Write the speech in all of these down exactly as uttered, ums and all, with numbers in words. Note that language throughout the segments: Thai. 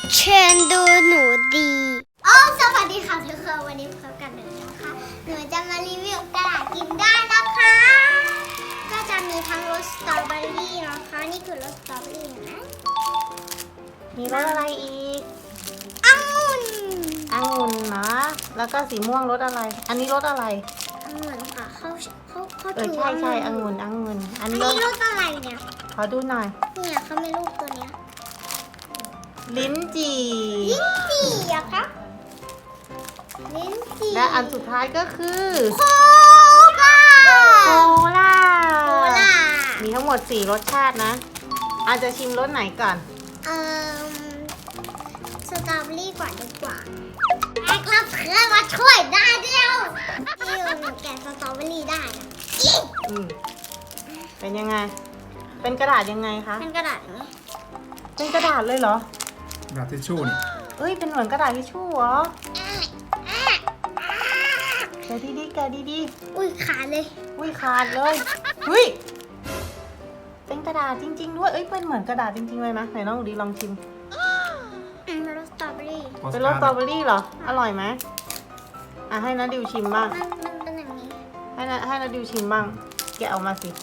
เชิญดูหนูดีอ๋อสวัสดีค่ะทุกคนวันนี้พบกันหนูนะคะหนูจะมารีวิวกระดาษกินได้นะคะก็จะมีทั้งรสสตรอเบอรี่นะคะนี่คือรสสตรอเบอรี่นะมีรสอะไรอีกองุ่นองุ่นเนาะแล้วก็สีม่วงรสอะไรอันนี้รสอะไรองุ่นค่ะเขาเขาเขาเออใช่ใช่องุ่นองุ่นอันนี้รสอะไรเนี่ยขอดูหน่อยเนี่ยเขาไม่รูปตัวเนี้ยลิ้นจี่ลิ้นจี่อะคะลิ้นจี่และอันสุดท้ายก็คือโคลาโคลาโคลามีทั้งหมดสี่รสชาตินะอาจจะชิมรสไหนก่อนเอ่อสตรอเบอรี่ก่อนดีกว่าแม็กรับเพื่อนมาช่วยได้เดียวที่หนูแกะสตรอเบอรี่ได้อืมเป็นยังไงเป็นกระดาษยังไงคะเป็นกระดาษนี้เป็นกระดาษเลยเหรอกระดาษทิชชู่นี่เอ้ยเป็นเหมือนกระดาษทิชชู่เหรอแกะดีๆแกะดีๆอุ้ยขาดเลยอุ้ยขาดเลยอุ้ยเป็นกระดาษจริงๆด้วยเอ้ยเป็นเหมือนกระดาษจริงๆเลยนะไหนน้องดีลองชิมเป็นรสสตรอเบอรี่เป็นรสสตรอเบอรี่เหรออร่อยไหมอ่ะให้นาดิวชิมบ้างมันมันเป็นอย่างนี้ให้นาให้นาดิวชิมบ้างแกะออกมาสิ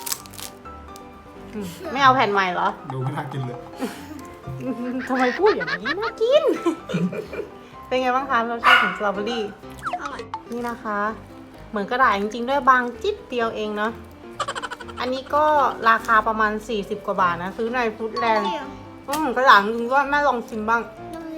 ไม่เอาแผ่นใหม่เหรอดูไม่น่ากินเลยทำไมพูดอย่างนี้น่ากินเป็นไงบ้างคะรสชาติของสตรอเบอรี่อร่อยนี่นะคะเหมือนกระดาษจริงๆด้วยบางจิ๊บเดียวเองเนาะอันนี้ก็ราคาประมาณสี่สิบกว่าบาทนะซื้อในฟู้ดแลนด์อืมกระดาษจริงก็แม่ลองชิมบ้าง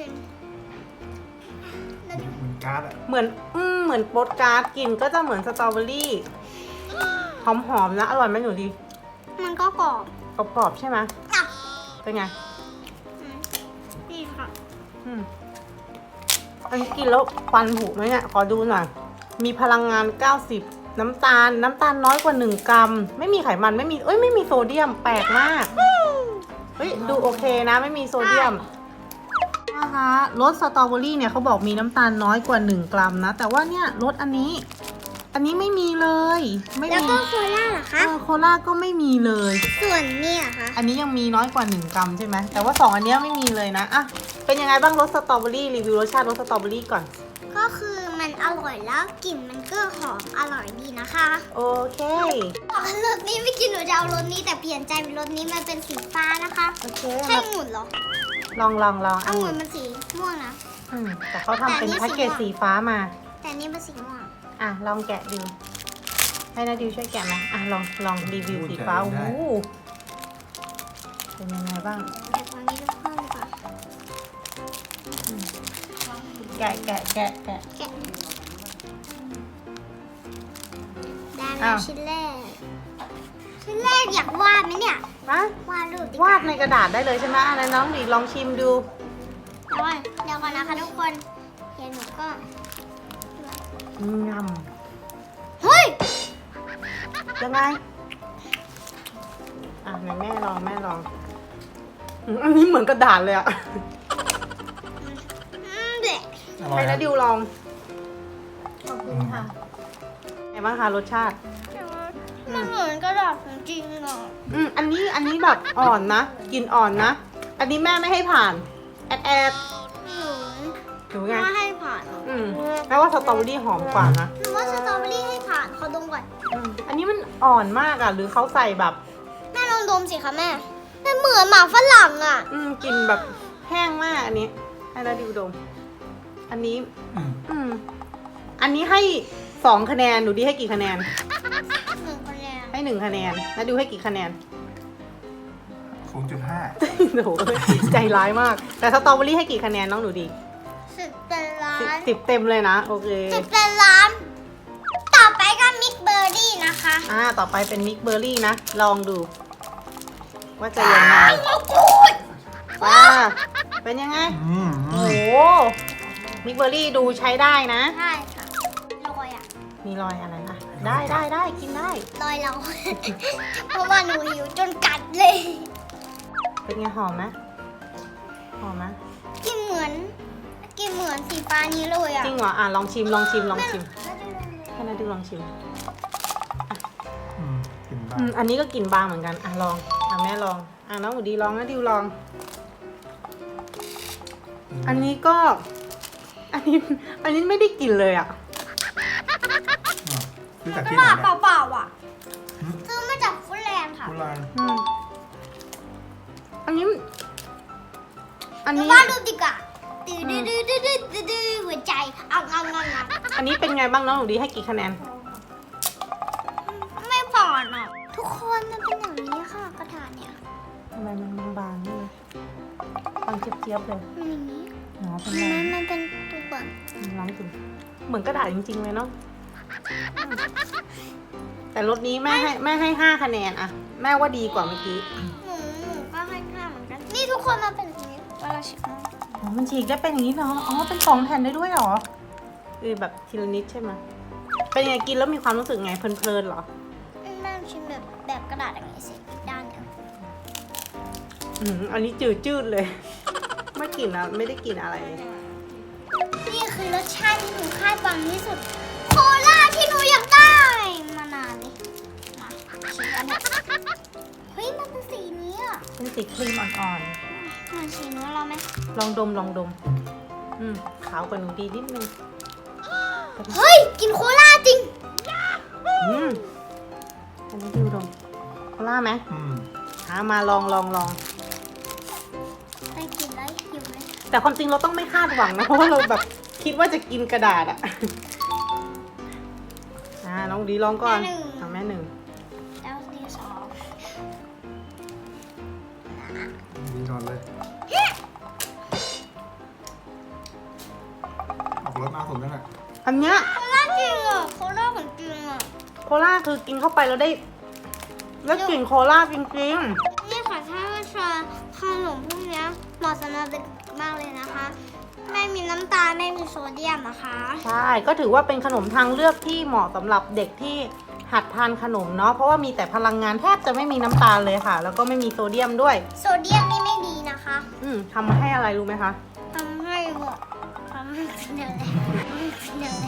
เหมือนการ์ดอะเหมือนอืมเหมือนโปสการ์ดกินก็จะเหมือนสตรอเบอรี่หอมๆนะอร่อยไหมหนูดีมันก็กรอบกรอบๆใช่ไหมเป็นไงดีค่ะอืมอันนี้กินแล้วฟันผุไหมเนี่ยขอดูหน่อยมีพลังงานเก้าสิบน้ำตาลน้ำตาลน้อยกว่าหนึ่งกรัมไม่มีไขมันไม่มีเอ้ยไม่มีโซเดียมแปลกมากเฮ้ยดูโอเคนะไม่มีโซเดียมนะคะรสสตรอเบอรี่เนี่ยเขาบอกมีน้ำตาลน้อยกว่าหนึ่งกรัมนะแต่ว่าเนี่ยรสอันนี้อันนี้ไม่มีเลยไม่มีแล้วก็โคลาเหรอคะโคลาก็ไม่มีเลยส่วนเนี่ยค่ะอันนี้ยังมีน้อยกว่าหนึ่งกรัมใช่ไหมแต่ว่าสองอันนี้ไม่มีเลยนะอ่ะเป็นยังไงบ้างรสสตรอเบอรี่รีวิวรสชาติรสสตรอเบอรี่ก่อนก็คือมันอร่อยแล้วกลิ่นมันก็หอมอร่อยดีนะคะโอเครสนี้ไม่กินหนูจะเอารสนี้แต่เปลี่ยนใจเป็นรสนี้มันเป็นสีฟ้านะคะโอเคใช่องุ่นเหรอลองลองลององุ่นมันสีม่วงนะอืมแต่เขาทำเป็นแพ็กเกจสีฟ้ามาแต่นี่มันสีม่วงอ่ะลองแกะดูให้นาดิวช่วยแกะไหมอ่ะลองลองรีวิวสีฟ้าโอ้โหเป็นยังไงบ้างแกะตอนนี้ลูกข้าวดีกว่าแกะแกะแกะแกะแกะได้แล้วชิ้นแรกชิ้นแรกอยากวาดไหมเนี่ยฮะวาดรูปวาดในกระดาษได้เลยใช่ไหมอะไรน้องดีลองชิมดูเดี๋ยวก่อนเดี๋ยวก่อนนะคะทุกคนเดี๋ยวหนูก็งำเฮ้ยยังไงอ่ะไหนแม่ลองแม่ลองอันนี้เหมือนกระดาษเลยอะให้นาดิวลองขอบคุณค่ะไงบ้างคะรสชาติมันเหมือนกระดาษจริงๆอ่ะอืมอันนี้อันนี้แบบอ่อนนะกินอ่อนนะอันนี้แม่ไม่ให้ผ่านแอดแอดหนูหนูไงไม่ให้ผ่านอืมแปลว่าสตรอเบอรี่หอมกว่านะหนูว่าสตรอเบอรี่ให้ผ่านเขาดมก่อนอันนี้มันอ่อนมากอ่ะหรือเขาใส่แบบแม่ลองดมสิคะแม่มันเหมือนหมาฝรั่งอ่ะอืมกลิ่นแบบแห้งมากอันนี้ให้นาดิวดมอันนี้อืมอันนี้ให้สองคะแนนหนูดีให้กี่คะแนนหนึ่งคะแนนให้หนึ่งคะแนนนาดิวให้กี่คะแนนศูนย์จุดห้าโหใจร้ายมากแต่สตรอเบอรี่ให้กี่คะแนนน้องหนูดีสิบเต็มล้านสิบเต็มเลยนะโอเคสิบเต็มล้านต่อไปก็มิกเบอร์รี่นะคะอ่าต่อไปเป็นมิกเบอร์รี่นะลองดูว่าจะยังไงว้าเป็นยังไงโอ้โหมิกเบอร์รี่ดูใช้ได้นะใช่ค่ะรอยอ่ะมีรอยอะไรนะได้ได้ได้กินได้รอยเราเพราะว่าหนูหิวจนกัดเลยเป็นไงหอมไหมหอมไหมกินเหมือนกินเหมือนสีฟ้านี้เลยอ่ะจริงเหรออ่ะลองชิมลองชิมลองชิมให้นาดูลองชิมอืมอันนี้ก็กลิ่นบางเหมือนกันอ่ะลองอ่ะแม่ลองอ่ะน้องหนูดีลองนะดิวลองอันนี้ก็ อันนี้ อันนี้ไม่ได้กินเลยอ่ะอ่ะซื้อจากตที่ไหนลาดเนี่ยเปล่าๆอ่ะซื้อมาจากฟุตแลนด์ค่ะกุลานอืมอันนี้ อันหนูนี้ว่าดูดีกว่าตื้อดื้อดื้อดื้อดื้อดื้อดื้อหัวใจเอาเอาเอาเอาอันนี้เป็นไงบ้างน้องหนูดีให้กี่คะแนนไม่ผ่อนอ่ะทุกคนมันเป็นอย่างนี้ค่ะกระดาษเนี่ยทำไมมันบางๆนี่เลยบางเจี๊ยบๆเลยมันอย่างนี้เนาะเป็นมัไงนมันเป็นตัวลองกินเหมือนกระดาษจริงๆเลยเนาะอืมแต่รสนี้แม่ให้แม่ให้ห้าคะแนนอะแม่ว่าดีกว่าเมื่อกี้หนูหนูก็ให้ค่าเหมือนกัน นี่ทุกคนมันเป็นอย่างนี้เวลาชิมอ๋อมันฉีกได้เป็นอย่างนี้เหรอ อ๋อ เป็นสองแผ่นได้ด้วยเหรอเออแบบทีละนิดใช่ไหมเป็นยังไงกินแล้วมีความรู้สึกไง เพลินๆเหรอแม่ชิมแบบแบบกระดาษอย่างนี้สิอีกด้านหนึงอืมอันนี้จืดๆเลย ไม่กลิ่นอะไม่ได้กลิ่นอะไรเลยนี่คือรสชาติที่หนูคาดหวังที่สุด โคลาที่หนูอยากได้มานานเลยมาชิมกันเถอะเฮ้ยมันเป็นสีนี้อ่ะเป็นสีครีมอ่อนมันสีนู้นเราไหมๆ ลองดมลองดม อืมขาวกว่าหนูดีนิดนึงเฮ้ยกินโคลาจริงอืมอันนี้ดิวดมโคล่าไหมอืมหามาลองลองลองได้กินแล้วหิวเลยแต่ความจริงเราต้องไม่คาดหวังนะ เพราะว่าเราแบบคิดว่าจะกินกระดาษอะ อ่าน้องดีลองก่อนทำแม่หนึ่งแล้วนี่สองดีนอนเลย ออกรสหน้าผมนั่นแหละอันเนี้ยโคลาจริงอ่ะโคลาของจริงอ่ะโคล่าคือกินเข้าไปแล้วได้แล้วกลิ่นโคล่าจริงนี่ค่ะถ้าว่าชาขนมพวกเนี้ยเหมาะสำหรับเด็กมากเลยนะคะ ไม่มีน้ำตาลไม่มีโซเดียมนะคะๆ ใช่ ก็ถือว่าเป็นขนมทางเลือกที่เหมาะสำหรับเด็กที่หัดทานขนมเนาะ เพราะว่ามีแต่พลังงานแทบจะไม่มีน้ำตาลเลยค่ะ แล้วก็ไม่มีโซเดียมด้วยโซเดียมนี่ไม่ดีนะคะอืมทำมาให้อะไรรู้ไหมคะทำให้หมดทำให้เป็นอะไรเป็นอะไร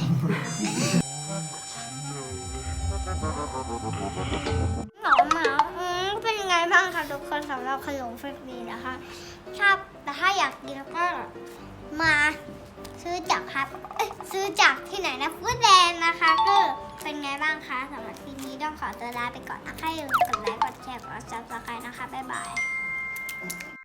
หนอมหมาอืมเป็นยังไงบ้างคะทุกคนสำหรับขนมเฟรนดี้นะคะชอบแต่ถ้าอยากกินก็มาซื้อจากครับเอ้ยซื้อจากที่ไหนนะฟู้ดแลนด์นะคะก็เป็นไงบ้างคะสำหรับคลิปนี้ต้องขอตัวลาไปก่อนนะคะอย่าลืมกดไลค์กดแชร์กดซับสไครต์นะคะบ๊ายบาย